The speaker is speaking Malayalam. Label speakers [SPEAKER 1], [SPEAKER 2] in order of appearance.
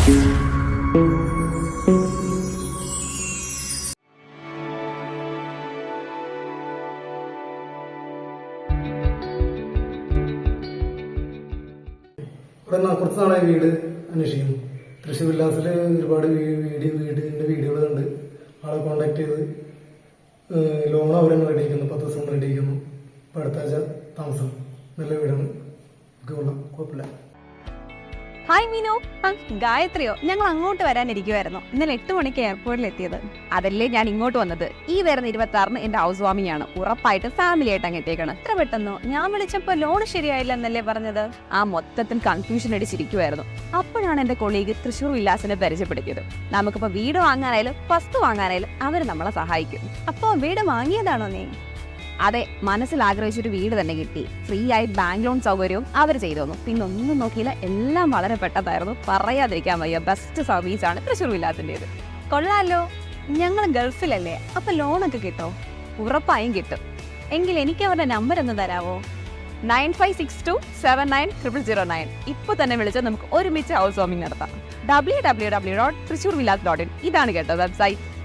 [SPEAKER 1] കുറച്ച് നാളായി വീട് അന്വേഷിക്കുന്നു. തൃശ്ശൂർ വില്ലാസിൽ ഒരുപാട് വീടിന്റെ വീഡിയോകൾ കണ്ട് ആളെ കോണ്ടാക്ട് ചെയ്ത് ലോൺ അവരെന്നെ റെഡിയാക്കുന്നു. 10 ദിവസം റെഡിയാക്കുന്നു. ഇപ്പം അടുത്ത ആഴ്ച താമസം. നല്ല വീടാണ്, കുഴപ്പമില്ല.
[SPEAKER 2] ഹായ് മീനു. ഗായത്രിയോ? ഞങ്ങൾ അങ്ങോട്ട് വരാനിരിക്കുമായിരുന്നു. ഇന്നലെ 8 മണിക്ക് എയർപോർട്ടിൽ എത്തിയത്. അതല്ലേ ഞാൻ ഇങ്ങോട്ട് വന്നത്. ഈ വരുന്ന 26-ന് എന്റെ ഹൗസ് വാമിംഗ് ആണ്. ഉറപ്പായിട്ട് ഫാമിലി ആയിട്ട് അങ്ങ് എത്തിയേക്കണം. എത്ര പെട്ടെന്നോ? ഞാൻ വിളിച്ചപ്പോ ലോൺ ശരിയായില്ല എന്നല്ലേ പറഞ്ഞത്. ആ മൊത്തത്തിൽ കൺഫ്യൂഷൻ അടിച്ചിരിക്കുമായിരുന്നു. അപ്പോഴാണ് എന്റെ കൊളീഗ് തൃശ്ശൂർ വില്ലാസിനെ പരിചയപ്പെടുത്തിയത്. നമുക്കിപ്പോ വീട് വാങ്ങാനായാലും വസ്തു വാങ്ങാനായാലും അവർ നമ്മളെ സഹായിക്കും. അപ്പോ വീട് വാങ്ങിയതാണോ നീ? അതെ, മനസ്സിൽ ആഗ്രഹിച്ചൊരു വീട് തന്നെ കിട്ടി. ഫ്രീ ആയി ബാങ്ക് ലോൺ സൗകര്യവും അവർ ചെയ്തു തന്നു. പിന്നെ ഒന്നും നോക്കിയില്ല, എല്ലാം വളരെ പെട്ടതായിരുന്നു. പറയാതിരിക്കാൻ വയ്യ. ബെസ്റ്റ് സർവീസാണ് തൃശ്ശൂർ വില്ലാസിൻ്റെത്. കൊള്ളാലോ. ഞങ്ങൾ ഗൾഫിലല്ലേ, അപ്പൊ ലോണൊക്കെ കിട്ടോ? ഉറപ്പായും കിട്ടും. എങ്കിൽ എനിക്ക് അവരുടെ നമ്പർ ഒന്ന് തരാവോ? 9562790009. ഇപ്പൊ തന്നെ വിളിച്ചാൽ നമുക്ക് ഒരുമിച്ച് ഹൗസ് വാമിംഗ് നടത്താം. www.thrissurvillas.in. ഇതാണ് കേട്ടോ വെബ്സൈറ്റ്.